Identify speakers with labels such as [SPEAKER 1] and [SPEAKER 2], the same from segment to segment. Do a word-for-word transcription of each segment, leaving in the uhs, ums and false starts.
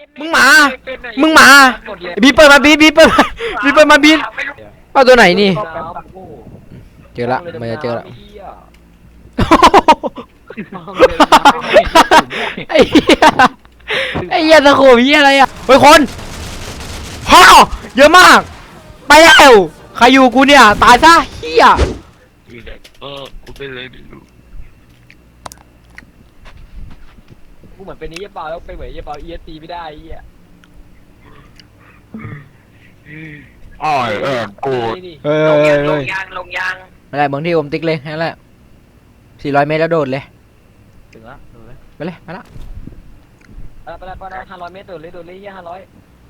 [SPEAKER 1] มึงหมามึงหมาบีเปิดมาบีบีเปิดมาบีเปิดมาบีเอาตัวไหนนี่เจอละมันจะเจอละไอ้เหี้ยไอ้เหี้ยตะโขบเหี้ยอะไรอ่ะเฮ้ยคนฮ่าเยอะมากไปแล้วใครอยู่กูเนี่ยตายซะเหี้ย
[SPEAKER 2] เออกูเป็นเลยดิลูก
[SPEAKER 3] กูเหมือนเป็นนี้ยี่เปล่าแล้วไปเหมือนยี่เปล่าเอสตีไม่ได้ไอ้เหี้ย
[SPEAKER 2] อ๋อเออกู
[SPEAKER 1] เฮ้ย
[SPEAKER 4] ลง
[SPEAKER 1] เฮ้ย
[SPEAKER 4] ยางล
[SPEAKER 1] เฮ้
[SPEAKER 4] ง
[SPEAKER 1] ย
[SPEAKER 4] ยางลงยาง
[SPEAKER 1] ไม่ได้เมืองที่อมติ๊กเลยนั่นแหละสี่ร้อยเมตรแล้วโดดเลย
[SPEAKER 3] ถึงละถึงละ
[SPEAKER 1] ไปเลยไปละ
[SPEAKER 3] ไปละไปละห้าร้อยเมตรโดดเลยโดดเลยยี่ห้าร้อย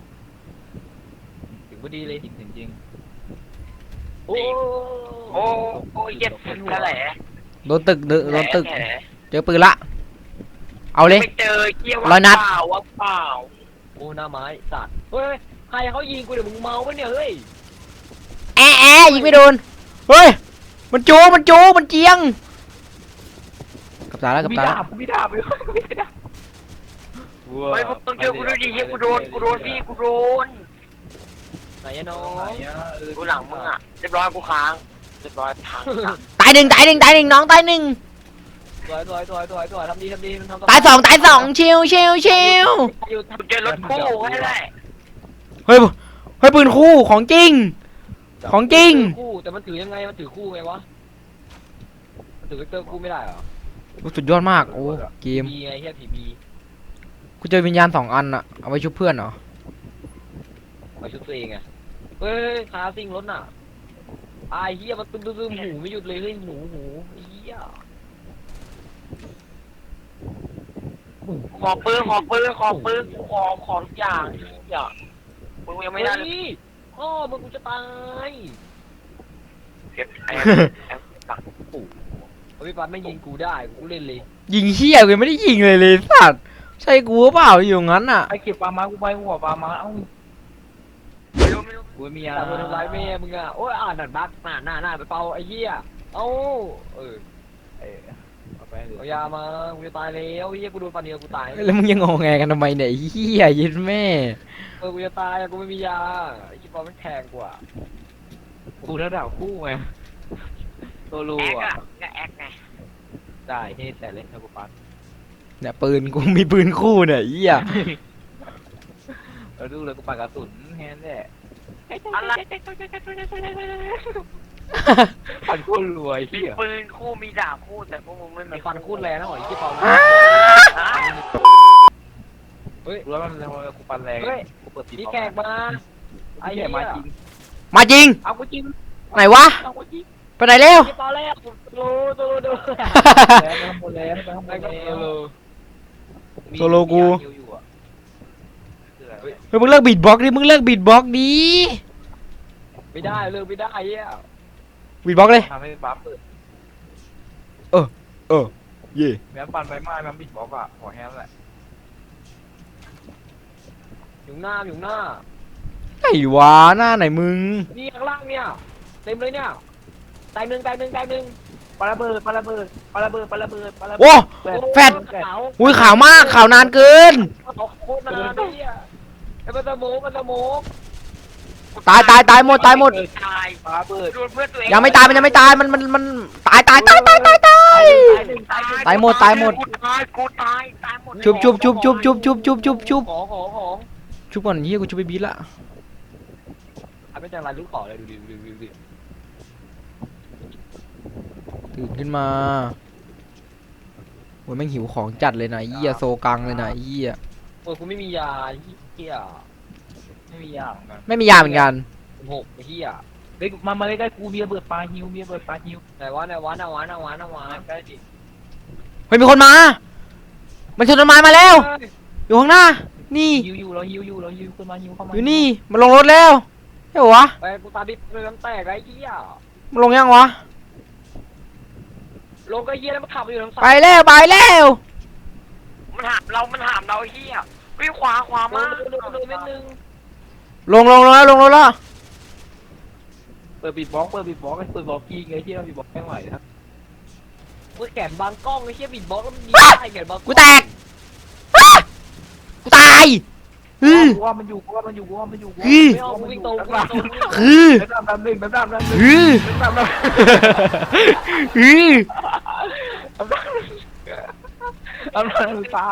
[SPEAKER 3] ถึงพอดีเลยถึงจริงโอ้
[SPEAKER 4] โอ้โอ้เย็บกระแหล่
[SPEAKER 1] โดนตึกโดนตึกเจอปืนละเอาเลย
[SPEAKER 4] ไม่เจอเกี่ยว
[SPEAKER 1] ร้อยนัด
[SPEAKER 4] เปล่าว่าเปล่า
[SPEAKER 3] โอ้หน้าไม้สัตว์เฮ้ยใครเขายิงกูเดี๋ยวมึงเมาปะเนี่ยเฮ้ย
[SPEAKER 1] แอะแอะยิงไม่โดนเฮ้ยมันจูมันจูมันเจียงกับตาแล้วกับตาแล้ว
[SPEAKER 3] กูไม่ด่าไปกูไม่ด่า
[SPEAKER 4] เฮ้ยมึงเจอกูด้วยดิเฮียกูโดนกูโดนพี่กูโดน
[SPEAKER 3] ไหนอะน้อง
[SPEAKER 4] กูหลังมึงอ่ะเรียบร้อยกูค้างเรียบร้อยค้าง
[SPEAKER 1] ตายหนึ่งตายหนึ่งตายหนึ่งน้องตายหนึ่ง
[SPEAKER 3] สวยสวยสวยสวยสวยทำดีทำดีทำ
[SPEAKER 1] ตายสองตายสองชิวชิวชิว
[SPEAKER 4] กูเจอรถคู่แค่ไหน
[SPEAKER 1] เฮ้ยเฮ้ยปืนคู่ของจริงของจริง
[SPEAKER 3] คู่แต่มันถือยังไงมันถือคู่ไงวะมันถือเวกเตอร์คู่ไม่ได้เหรอ
[SPEAKER 1] สุดยอดมากโอ้เกม
[SPEAKER 3] บีไงเฮียผีบี
[SPEAKER 1] กูเจอวิญญาณสองอันอะเอาไว้ชุบเพื่อนเหรอ
[SPEAKER 3] มาชุดตัวเองไงเฮ้ยคาซิงรถน่ะไอ้เฮียมันตึ้มตึ้มหูไม่หยุดเลยเฮ้ยหูหูเฮีย
[SPEAKER 4] ขอปืนขอปืนขอปืนขอขอทุกอย่างอย่ามึงยังไม่ได้เลย
[SPEAKER 3] พ่อมึงกูจะตาย
[SPEAKER 4] เก็บไอ้ตักปู่
[SPEAKER 3] พี่ปั๊บไม่ยิงกูได้กูเล่นเลย
[SPEAKER 1] ยิงเหี้ยกูยังไม่ได้ยิงเลยเลยสัตว์ใช่กูหรือเปล่าอยู่งั้นอะ
[SPEAKER 5] ไอเก็บปลามากูไปหัวปลามาเอ้า
[SPEAKER 4] ไม่รู้ไม่รู้
[SPEAKER 5] กูมี
[SPEAKER 3] อย่า
[SPEAKER 5] อะไร
[SPEAKER 3] ทำร้ายแม่มึงอ่ะโอ้ยอ่านหนัดบักหน้าหน้าหน้าไปเป่าไอ้เหี้ยเอ้าเออ
[SPEAKER 5] เออเอาไปเลย
[SPEAKER 3] เอายามากูจะตายแล้วไอ้เหี้ยกูโดนฟันเดียวกูตาย
[SPEAKER 1] แล้วมึงยังงงแงกันทำไมเนี่ยเหี้ยยิดแม่
[SPEAKER 3] เออกูจะตายกูไม่มียาไอ้ที่ปอมันแพงกว่า
[SPEAKER 5] กูระดับคู่ไงโซโล่
[SPEAKER 4] แอค
[SPEAKER 5] อะ
[SPEAKER 4] อะก็แอคไง
[SPEAKER 5] ได้เฮ้แต่เล่นนะกูปัน
[SPEAKER 1] เนี่ยปืนกูมีปืนคู่เนี่ยเหี้ย
[SPEAKER 5] เราดูเลยกูปันกระสุนแค่นั้นแหละ
[SPEAKER 4] อะไร
[SPEAKER 5] ปันโคตรรวย
[SPEAKER 4] มี
[SPEAKER 5] เหี้ย
[SPEAKER 4] ปืนคู่มีดาบคู่แต่พวกมึงไม่
[SPEAKER 3] มี
[SPEAKER 4] มี
[SPEAKER 3] ฟันคูดแรงนะหอยที่ปอเฮ้ย
[SPEAKER 5] รู้แล้วมันกูปันแรง
[SPEAKER 3] เฮ้ย
[SPEAKER 5] กูเปิดตี
[SPEAKER 3] มีแขกมาไอ้
[SPEAKER 5] ไอ้
[SPEAKER 3] เหี้
[SPEAKER 5] แข
[SPEAKER 3] ย
[SPEAKER 5] กมาจริง
[SPEAKER 1] มาจริง
[SPEAKER 5] เอากูจริง
[SPEAKER 1] ไหนวะ
[SPEAKER 5] เอากูจริง
[SPEAKER 1] ไปไหนเร็ว
[SPEAKER 3] ที่ปอแรกโลโลโล
[SPEAKER 5] แล้วไปข้างบนแล้วไปข้างบ
[SPEAKER 3] ไอ้
[SPEAKER 5] น
[SPEAKER 3] ก็
[SPEAKER 5] แล้ว
[SPEAKER 3] โล
[SPEAKER 1] โซโลกู
[SPEAKER 5] มีอยู่อะคืออะไร
[SPEAKER 1] เฮ้ยมึงเลิกบีทบ็อกซ์ดิมึงเลิกบีทบ็อกซ์ดิ
[SPEAKER 3] ไม่ได้เลิกไม่ได้ไอ้เหี้ย
[SPEAKER 1] บีทบ็อกซ์เลย
[SPEAKER 5] ทำให้บัฟเปิด
[SPEAKER 1] เออเย่
[SPEAKER 5] แม้ปันไปไม้มันบิดบล็อกอะหัวแฮมแหละ
[SPEAKER 3] อยู่หน้าอยู่หน้า
[SPEAKER 1] ไหนวะหน้าไหนมึง
[SPEAKER 3] นี่ข้างล่างเนี่ยเต็มเลยเนี่ยตายหนึ่งตายหนึ่งตายหนึ่ง
[SPEAKER 5] ปาระเบิดปาระเบิดปาระเบิดปาระเบิดปาระเบิด
[SPEAKER 1] โอ้ แฟด
[SPEAKER 3] ขาว
[SPEAKER 1] อุ้ยข่าวมากข่าวนานเกิน
[SPEAKER 3] เขาโคตรนานเลยอ่ะไอ้มันสโมกมันสโมก
[SPEAKER 1] ตายตายตายหมดตายหมด
[SPEAKER 4] ตาย
[SPEAKER 5] ปาระเบิด
[SPEAKER 4] โดนเพื่อนตัวเอง
[SPEAKER 1] ยังไม่ตายมันยังไม่ตายมันมันมันตายตายตายตายตายตาย ตายหมดตายหมด
[SPEAKER 4] กูตายกูตายตายหมด
[SPEAKER 1] ชุบชุบชุบชุบชุบชุบชุบชุบชุบ
[SPEAKER 3] ของของของ
[SPEAKER 1] ชุบก่อนเฮียกูชุบไปบีทละ
[SPEAKER 3] อันไม่จังไรลูกขอเลยดูดิดูดิดูดิ
[SPEAKER 1] ตื่นขึ้นมาโอ้ยแม่งหิวของจัดเลยนะเฮียโซกังเลยนะเฮีย
[SPEAKER 3] โอ้ยกูไม่มียาเฮีย
[SPEAKER 5] ไม่มีอย่างกัน
[SPEAKER 1] ไม่มียาเหมือนกัน
[SPEAKER 3] หกเฮีย
[SPEAKER 5] เฮ้ยมามาใกล้ๆกูมีระเบิดปลาฮิวมีระเบิดปลาฮิว
[SPEAKER 3] ไหนวะไหนวะไหนวะไหนวะไหนวะ
[SPEAKER 5] ใกล้ดิ
[SPEAKER 1] เฮ้ยมีคนมา มันชนต้นไม้มาแล้ว อยู่ข้างหน้า นี่
[SPEAKER 5] ฮิวอยู่เราฮิวอยู่เราฮิวขึ้นมาฮิวเข้ามา
[SPEAKER 1] อยู่นี่มันลงรถแล้วใช่ปะวะ
[SPEAKER 3] ไปกูตาดิบเลยน้ำแตกไอ้เฮีย
[SPEAKER 1] มันลงยังวะ
[SPEAKER 3] ลงก็เฮียแล้วมันขับอยู่ทางซ้า
[SPEAKER 1] ไป
[SPEAKER 3] ย
[SPEAKER 1] แล้วไปแล้ว
[SPEAKER 4] มันหามเรามันหามเราไอ้เฮียวิ่งขวาขวา
[SPEAKER 3] มา
[SPEAKER 4] มา
[SPEAKER 3] ดูดูเม็ดนึง
[SPEAKER 1] ลงลงลงแล้วลงรถแล้ว
[SPEAKER 5] เปิดบิดบล็อกเปิดบิดบล็อกไอ้เปิดบล็อกยิงไอ้ที่เราบิดบล็อกไม่ไหวครับ
[SPEAKER 3] กูแขนบางกล้องไอ้เฮียบิดบล็อกแล้วมันยิงได้แขนบาง
[SPEAKER 1] กูแตกอ้ากูตายอือ
[SPEAKER 5] กูว่ามันอยู่กูว่ามันอยู่กูว่ามันอยู่กู
[SPEAKER 1] อือ
[SPEAKER 3] ไม่เอากูวิ่งตรงกูวิ่งตรง
[SPEAKER 1] คือ
[SPEAKER 5] แบมแบมหนึ่งแบมแบมหนึ่ง
[SPEAKER 1] อือ
[SPEAKER 5] แบมแบม
[SPEAKER 1] อือ
[SPEAKER 5] แบมแบมตา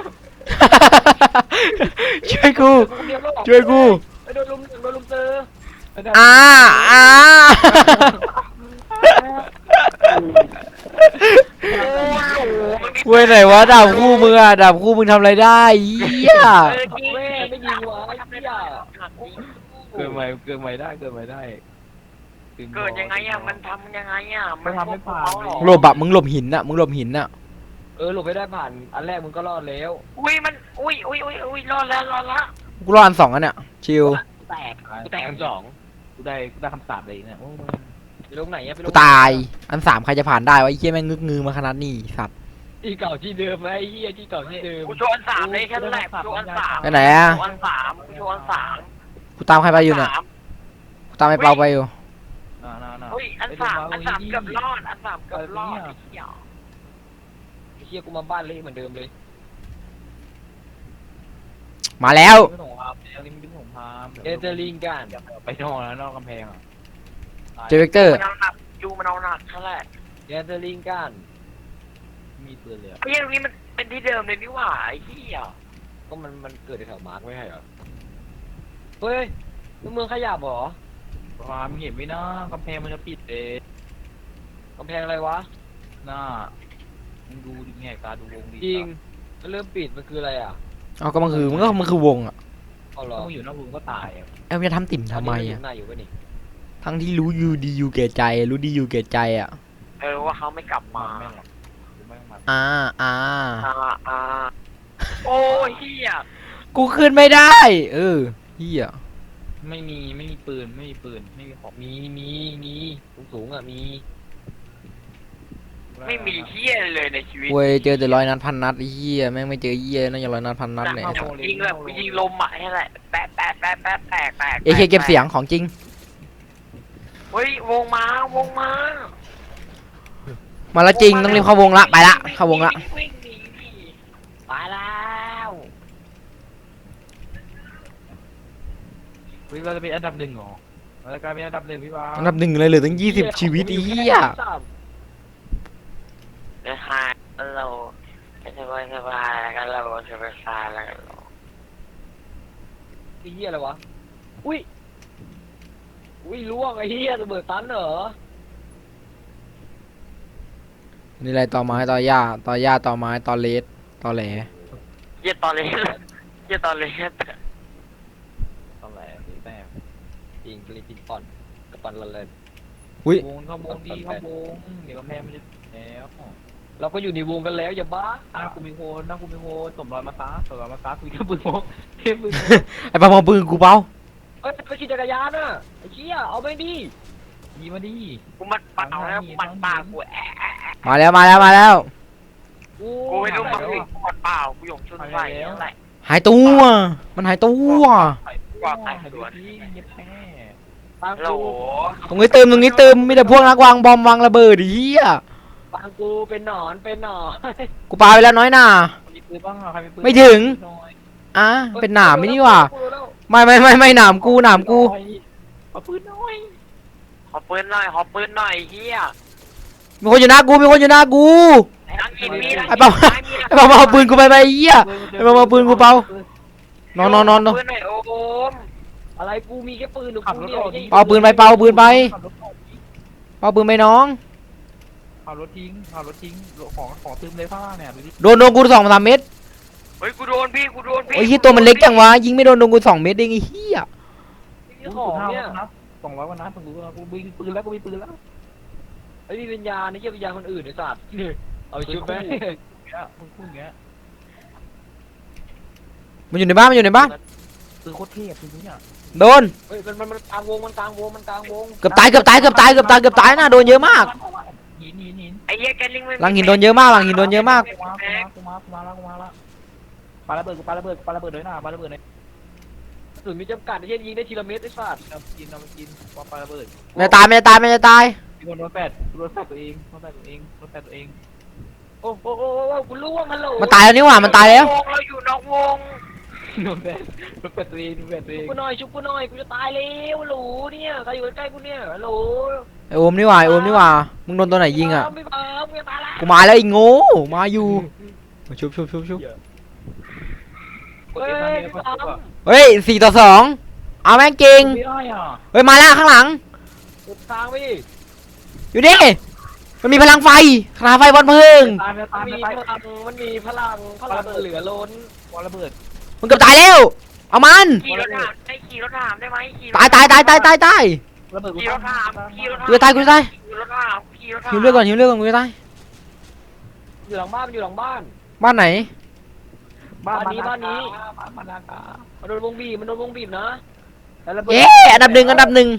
[SPEAKER 1] ช่วยกู
[SPEAKER 3] เดียวแล้ว
[SPEAKER 1] ช่วยกู
[SPEAKER 3] ไปโดนลุมโดนลุมเจอ
[SPEAKER 1] อ่าอ่าเว้ยไหนวะดาบคู่มึงอะดาบคู่มึงทำอะไรได้เหี้ย
[SPEAKER 3] แม่ไม่ยิงวะไอ้เหี้ย
[SPEAKER 5] เกิดใหม่เกิดใหม่ได้เกิดใหม่ได้
[SPEAKER 4] เกิดยังไงอ่ะมันทำยังไงอ่ะ
[SPEAKER 5] มันทำไม่ผ่าน
[SPEAKER 1] หลบอะมึงหลบหินอะมึงหลบหินอะ
[SPEAKER 3] เออหลบไม่ได้ผ่านอันแรกมึงก็รอดแล้ว
[SPEAKER 4] อุ้ยมันอุ้ยอุ้ยอุ้ยอุ้ยรอดแล้วรอดแล้ว
[SPEAKER 1] กูรออันสองอันเนี่ยชิล
[SPEAKER 3] แตกกูแตกอันสอง
[SPEAKER 5] กูได้กูได้คำสาปเลยเนี่ย
[SPEAKER 3] ไปลงไหนอะไปลง
[SPEAKER 1] กูตายอันสามใครจะผ่านได้วะไอ้เหี้ยแม่งงึกงือมาขนาดนี้สัตว์
[SPEAKER 3] ที่เก่าที่เดิมไอ้เหี้ยที่เก่าที่เดิม
[SPEAKER 4] กูโชว์อันสามเลยแค่นั้นแหละกูโชว์อันสาม
[SPEAKER 1] ไปไหนอะ
[SPEAKER 4] โชว์อันสามกูโชว์อันสาม
[SPEAKER 1] กูตามใครไปอยู่เนี่ย
[SPEAKER 4] สาม
[SPEAKER 1] กูตามไอ้เปาไปอยู่
[SPEAKER 5] น่าน่าน่า
[SPEAKER 4] อุ้ยอันสามอันสามเกือบรอดอันสามเกือบรอดไอ้เหี้ย
[SPEAKER 3] ไอ้เหี้ยกูมาบ้านเละเหมือนเดิมเลย
[SPEAKER 1] มาแล้ว
[SPEAKER 5] เป็นสงครามอันนี้มันเป็นสงคราม
[SPEAKER 3] เอเจอร์ลิงกัน
[SPEAKER 5] ไปนอกแล้วนอกกำแพงอ่ะ
[SPEAKER 1] เจอเวกเตอร์
[SPEAKER 4] มันเอาหนักยูมันเอาหนักเท่าไหร่
[SPEAKER 3] เอเจอร์ลิงกัน
[SPEAKER 5] มีปืนเลย
[SPEAKER 4] ไอ้เหี้ยตรงนี้มันเป็นที่เดิมเลยนี่หว่าไอ้เหี้ย
[SPEAKER 3] ก็มันมันเกิดในแถวมาร์กไม่ใช่เหรอเฮ้ยเมืองขยับเหรอ
[SPEAKER 5] ความเห็นไหมนะกำแพงมันจะปิดเอง
[SPEAKER 3] กำแพงอะไรวะ
[SPEAKER 5] หน้ามึงดูดิแง่ตาดูวงดี
[SPEAKER 3] จริงมันเริ่มปิดมันคืออะไรอ่ะ
[SPEAKER 1] เอาก็มันคือมันก็มันคือวงอะ
[SPEAKER 3] เอาเหรอ
[SPEAKER 5] ถ้ามึงอยู่นอกวงก็ตายอ่ะ
[SPEAKER 1] เอ้าจะทำติ่มทำไมอะ
[SPEAKER 3] หน้าอยู่ปะนี่
[SPEAKER 1] ทั้งที่รู้อยู่ดีอยู่แก่ใจรู้ดีอยู่แก่ใจอะ
[SPEAKER 4] เออว่าเขาไม่กลับ
[SPEAKER 5] มา
[SPEAKER 4] มา
[SPEAKER 5] แม่งหรอกกูไม่มา
[SPEAKER 1] อ่าอ่า
[SPEAKER 4] อ่าอ่าโอ้ยเหี้ย
[SPEAKER 1] กูขึ้นไม่ได้ เออเฮีย
[SPEAKER 5] ไม่มีไม่มีปืนไม่มีปืนไม่มีของ
[SPEAKER 3] มีมีมีสูงสูงๆอ่ะมี
[SPEAKER 4] ไม่มีเหี้ยเลยในชีวิต
[SPEAKER 1] เว้ยเจอแต่ร้อยนัดพันนัดไอ้เฮียแม่งไม่เจอเฮียน่าจะร้อยนัดพันนัดเนี่ย
[SPEAKER 4] ยิงแบบยิงลมอ่ะนี่แหละแปะแปะแปะแปะแตกแตก
[SPEAKER 1] เอเคเก็บเสียงของจริง
[SPEAKER 4] เฮ้ยวงมาวงมา
[SPEAKER 1] มาละจริงต้องรีบเข้าวงละไปละเข้าวงละ
[SPEAKER 4] วิ่งหนีดิ
[SPEAKER 3] ไปแล้ว
[SPEAKER 5] วิเราจะเป็นอันดับหนึ่งเหรอเราจะกลายเป็นอันดับหนึ่งพี่วา
[SPEAKER 1] อันดับหนึ่งเลยเหลือตั้งยี่สิบชีวิตไอ้เฮีย
[SPEAKER 4] เดี๋ยวหายเราสบายสบายแล้วกันเราสบายสบายแล้วกันเรา
[SPEAKER 3] ไอ้เหี้ยอะไรวะอุ้ยอุ้ยล่วงไอ้เหี้ยระเบิดตันเหรอ
[SPEAKER 1] นี่อะไรต่อไม้ต่อหญ้าต่อหญ้าต่อไม้ต่อเลสต่อแหล
[SPEAKER 4] เยี่ยตอนเล็กเยี่ยตอนเล็ก
[SPEAKER 5] ตอนแรกสีแต้ม
[SPEAKER 3] จริงกรีปินป่อนกระปันละเลน
[SPEAKER 1] อุ้ยว
[SPEAKER 5] งเข้าวงดีเข้าวงเดี๋ยวกำแพงมันจะแล้ว
[SPEAKER 3] เราก็อยู่ในวงกันแล้วอย่าบ้า
[SPEAKER 5] หน้ากูมีโคนหน้ากูมีโคนสมรอยมาตาสมรอยมาตาคุยกับปืนพกเทพปืนพก
[SPEAKER 1] ไอ้ปาเอาปืนกูเปล่า
[SPEAKER 3] เอ้ยไปขี่จักรยานน่ะไอ้เชี่ยเอาไปดิ
[SPEAKER 5] ยีมาดิ
[SPEAKER 4] กูมันเปล่าแล้วกูมันเปล่ากูแอะแอะแอะ
[SPEAKER 1] มาแล้วมาแล้วมาแล้ว
[SPEAKER 3] กู
[SPEAKER 4] กูไม่รู้มันกูมันเปล่ากูหยงชุนใส่อะไร
[SPEAKER 1] หายตัวมันหายตัว
[SPEAKER 4] ว่าแต่สวน
[SPEAKER 5] เย็บแพ้
[SPEAKER 3] ฟัง
[SPEAKER 4] โหล
[SPEAKER 3] กู
[SPEAKER 1] ตรงนี้เติมตรงนี้เติมมีแต่พวกนักวางบอมวางระเบิดไอ้เฮีย
[SPEAKER 3] ฟังกูเป็นหนอนเป็นหนอน
[SPEAKER 1] กูปาไปแล้วน้อยหน่า
[SPEAKER 5] มีปืนบ้างเหรอใครมีปืน
[SPEAKER 1] ไม่ถึง อ่ะเป็นหนามไม่นี่หว่าไม่ไม่ไม่ไม่หนามกูหนามกู
[SPEAKER 5] เอาปืนน้อย
[SPEAKER 4] ขอปืนหน่อยขอปืนหน่อยเฮีย
[SPEAKER 1] มีคนอยู่หน้ากูมีคนอยู่หน้ากู
[SPEAKER 4] นั่งกินมี
[SPEAKER 1] ไอ้เปาไอ้เปามาเอาปืนกูไปไปไอ้เฮีย ไอ้เปามาเอาปืนกูเปา นอนนอนนอนนอน
[SPEAKER 4] ปืนหน่อยโอม
[SPEAKER 3] อะไรกูมีแค่ปืนหรือ
[SPEAKER 5] ขับ
[SPEAKER 3] กู
[SPEAKER 5] รถ
[SPEAKER 3] เดีย
[SPEAKER 5] อ
[SPEAKER 3] ว
[SPEAKER 5] อกดิ
[SPEAKER 1] เปาปืนไปเปาปืนไป
[SPEAKER 5] ขับรถออกดิ
[SPEAKER 1] เอาปืนไปน้อง
[SPEAKER 5] ขับรถทิ้งขับรถทิ้งของของซึมเลยผ้าเนี่ยดูดิ
[SPEAKER 1] โดนโดนกูสองสามเม็ด
[SPEAKER 4] เฮ้ยกูโดนพี่กูโดนพี่
[SPEAKER 1] โอ้ยเฮียตัวมันเล็กจังวะยิงไม่โดนโดนกูสองเม็ดเองไอ้เฮีย
[SPEAKER 3] นี่ของเนี่ย
[SPEAKER 5] นัดสองร้อยกว่านัดผมรู้แล้วกูมีปืนแล้วกูมีปืนแล้ว
[SPEAKER 3] ไอ้นี่วิญญาณนี่เกี่ยวิญญาณคนอื่นไอ้สัตว์เอาไปชุบไหม
[SPEAKER 5] เนี่ยมึงพูดอย่างเงี้ย
[SPEAKER 1] มันอยู่ในบ้านมันอยู่ในบ้าน
[SPEAKER 5] ปืนโคตรเทพปืนนี้อ่ะ
[SPEAKER 1] โดน
[SPEAKER 3] เฮ้ยมันมันมันกลางวงมันกลางวงมันกลางวง
[SPEAKER 1] เกือบตายเกือบตายเกือบตายเกือบตายเกือบตายนะโดนเยอะมาก
[SPEAKER 5] หินหินหิน
[SPEAKER 4] ไอ้เหี้ยแกลิงไม่
[SPEAKER 1] หลังหินโดนเยอะมากหลังหินโดนเยอะมาก
[SPEAKER 5] กูมากูมากูมาแล้วกูมาแล้วปาระเบิดกูปาระเบิดปาระเบิดเลยนะปาระเบิดเลย
[SPEAKER 3] ส่วนมีจำกัดไอ้เหี้ยยิงได้ทีละเม็ดไอ้สัตว์
[SPEAKER 5] เรากินเรากินปาปาระเบิด
[SPEAKER 1] ไม่ตายไม่ตายไม่ตาย
[SPEAKER 5] มีคนโดนแปดโดนแปดตัวเองโดนแปดตัวเองโดนแปดตัวเอง
[SPEAKER 3] โอ้โหโอ้โหโอ้โหกูรู้ว่ามันโหล
[SPEAKER 1] มันตายแล้วนี่หว่ามันตายแล้ว
[SPEAKER 4] วงเราอยู่นอกวง
[SPEAKER 5] โดนแบนโดนแบนตัวเองโดนแบนตัวเอ
[SPEAKER 3] ชุบ
[SPEAKER 5] ง
[SPEAKER 3] กูหน่อยชุบกูหน่อยกูจะตายแล้วหลูเนี่ยใครอยู่ใกล้ๆกูเนี่ยหลู
[SPEAKER 1] ไอโอมนี่หว่าไอโอมนี่หว่ามึงโดนตัวไหนยิงอ่ะ
[SPEAKER 3] ไม่มาไม่มาละ
[SPEAKER 1] กูมาแล้วไอ้โง่มาอยู่ชุบชุบชุบชุบ
[SPEAKER 5] กด
[SPEAKER 3] เฮ้
[SPEAKER 5] เอ็
[SPEAKER 3] ย
[SPEAKER 5] ม
[SPEAKER 3] พี่
[SPEAKER 5] ทาง
[SPEAKER 3] ตาม
[SPEAKER 5] นี้ก็
[SPEAKER 1] เฮ้ยสี่ต่อสองเอาแม่งเก่ง
[SPEAKER 5] ไม่ได้อ่ะ
[SPEAKER 1] เฮ้ยมาแล้วข้างหลัง
[SPEAKER 3] กดทางไปดิ
[SPEAKER 1] อยู่นี่มันมีพลังไฟพลังไฟบอลเพลิง
[SPEAKER 5] ตายไปตาย
[SPEAKER 3] มัน
[SPEAKER 5] ไป
[SPEAKER 3] มี
[SPEAKER 5] ตาย
[SPEAKER 3] พลังมันมีพลังพลังเหลือล้น
[SPEAKER 5] วอลระเบิด
[SPEAKER 1] มันเกือบตายแล้วเอามัน
[SPEAKER 4] ขี่รถถามได้ขี่รถถามได้ไหมขี่รถ
[SPEAKER 1] ตายตายตายตายตายตาย
[SPEAKER 5] ระเบิดกู
[SPEAKER 4] ขี่รถถามขี่รถถาม
[SPEAKER 1] กูจะตายกูจะตาย
[SPEAKER 4] ขี่รถถามขี่รถถาม
[SPEAKER 1] หิวเลือดก่อนหิวเลือดก่อนกูจะตาย
[SPEAKER 3] อยู่หลังบ้านมันอยู่หลังบ้าน
[SPEAKER 1] บ้านไหน
[SPEAKER 5] บ้าน
[SPEAKER 3] บ้านนี้บ้านนี้
[SPEAKER 5] บ้านมานากา
[SPEAKER 3] มันโดนวงบีบมันโดนวงบีบนะ
[SPEAKER 5] แล้วระเบิด
[SPEAKER 1] เย้อันดับหนึ่งอันดับหนึ่ง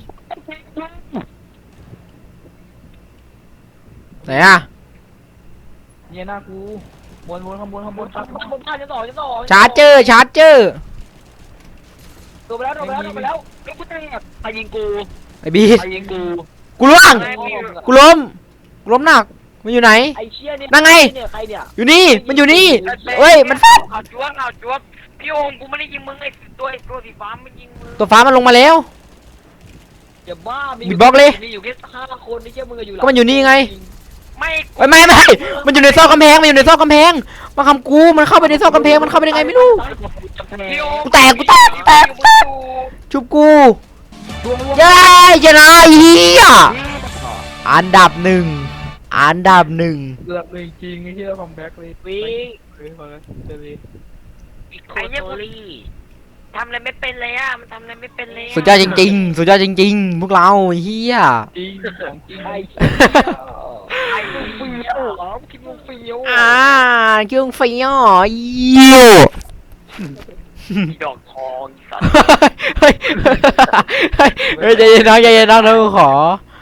[SPEAKER 1] ไหนอะ
[SPEAKER 5] เนี่ยหน้ากูบนบนข้างบนข้างบน
[SPEAKER 3] บ้านบ้านบ้านชั้นสองชั้นสอง
[SPEAKER 1] ชาร์จเจอร์ชาร์จเจอร์
[SPEAKER 3] โดนไปแล้วโดนไปแล้วโดนไปแล้วไอ้กูแตก
[SPEAKER 4] ใครยิงกู
[SPEAKER 1] ไอ้บี
[SPEAKER 4] ใครยิงกู
[SPEAKER 1] กูล่วง
[SPEAKER 4] ไม่มี
[SPEAKER 1] กูล้มกูล้มหนักมันอยู่ไหน
[SPEAKER 3] ไอ้เชี่ยเนี่ย
[SPEAKER 1] นั่นไง
[SPEAKER 3] เนี่ยใครเนี่ย
[SPEAKER 1] อยู่นี่มันอยู่นี่เฮ้ยมันฟาด
[SPEAKER 4] เอาจวบเอาจวบพี่โอมกูไม่ได้ยิงมึงไอ้ตัวไอ้ตัวสีฟ้ามันยิงมึง
[SPEAKER 1] ตัวฟ้ามันลงมาแล้ว
[SPEAKER 3] อย่าบ้ามี
[SPEAKER 1] บิดบล็อกเลย
[SPEAKER 3] มีอยู่แค่ห้าคนนี่เชี่ยมึงอะอยู่หลั
[SPEAKER 1] ก็มันอยู่นี่ไง
[SPEAKER 4] ไม่
[SPEAKER 1] เอ้ยไม่ไม่มันอยู่ในซอกกำแพงมันอยู่ในซอกกำแพงมาคำกูมันเข้าไปในซอกกำแพงมันเข้าไปได้ไงไม่รู้
[SPEAKER 4] พี่โอม
[SPEAKER 1] กูแตกกูแตกแตกแตก ชุบกูเย้ชนะไอ้เฮียอันดับหนึ่งอันดับหนึ่ง
[SPEAKER 5] เกือบเลยจริงไอ้ที่เราคัมแบ็กเลย
[SPEAKER 3] วิ่ง
[SPEAKER 5] เฮ้ยมาเจอเลย
[SPEAKER 4] ไอ้เนี่ยกูทำอะไรไม่เป็นเลยอ่ะมันทำอะไรไม่เป็นเลยะ
[SPEAKER 1] สุดยอดจริงๆ สุดยอดจริงๆ พวกเราไอ้เฮีย
[SPEAKER 5] จริงของจริง
[SPEAKER 3] ไอ้
[SPEAKER 4] ไอ้
[SPEAKER 3] เฟี้ยวเหรอคิดมึงเฟี้ยว
[SPEAKER 1] อ่าเครื่องไฟอ่ะเยี่ยว
[SPEAKER 4] ดอกทองสัตว์
[SPEAKER 1] เฮ้ยเฮ้ยเฮ้ยใจเย็นน้องใจเย็นน้องเราขอ